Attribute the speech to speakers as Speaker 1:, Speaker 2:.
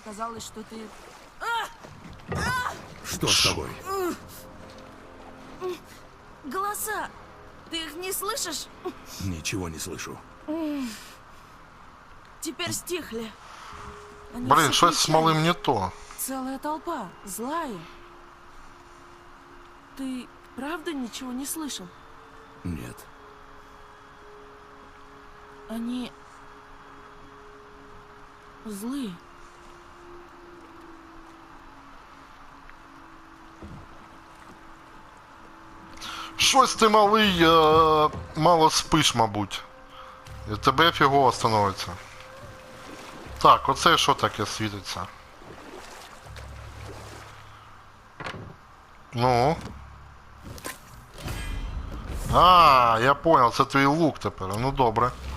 Speaker 1: показалось, что ты...
Speaker 2: Что с тобой?
Speaker 1: Голоса! Ты их не слышишь?
Speaker 2: Ничего не слышу.
Speaker 1: Теперь стихли. Они
Speaker 3: Блин,
Speaker 1: все
Speaker 3: щось з
Speaker 1: кричали.
Speaker 3: малим не то.
Speaker 1: Целая толпа, злая. Ты правда ничего не слышал?
Speaker 2: Нет.
Speaker 1: Они... злые.
Speaker 3: Щось ти малий, мало спиш, мабуть. І тебе фігово становиться. Так, оце що таке світиться? Ну. А, я понял, це твій лук тепер. Ну добре.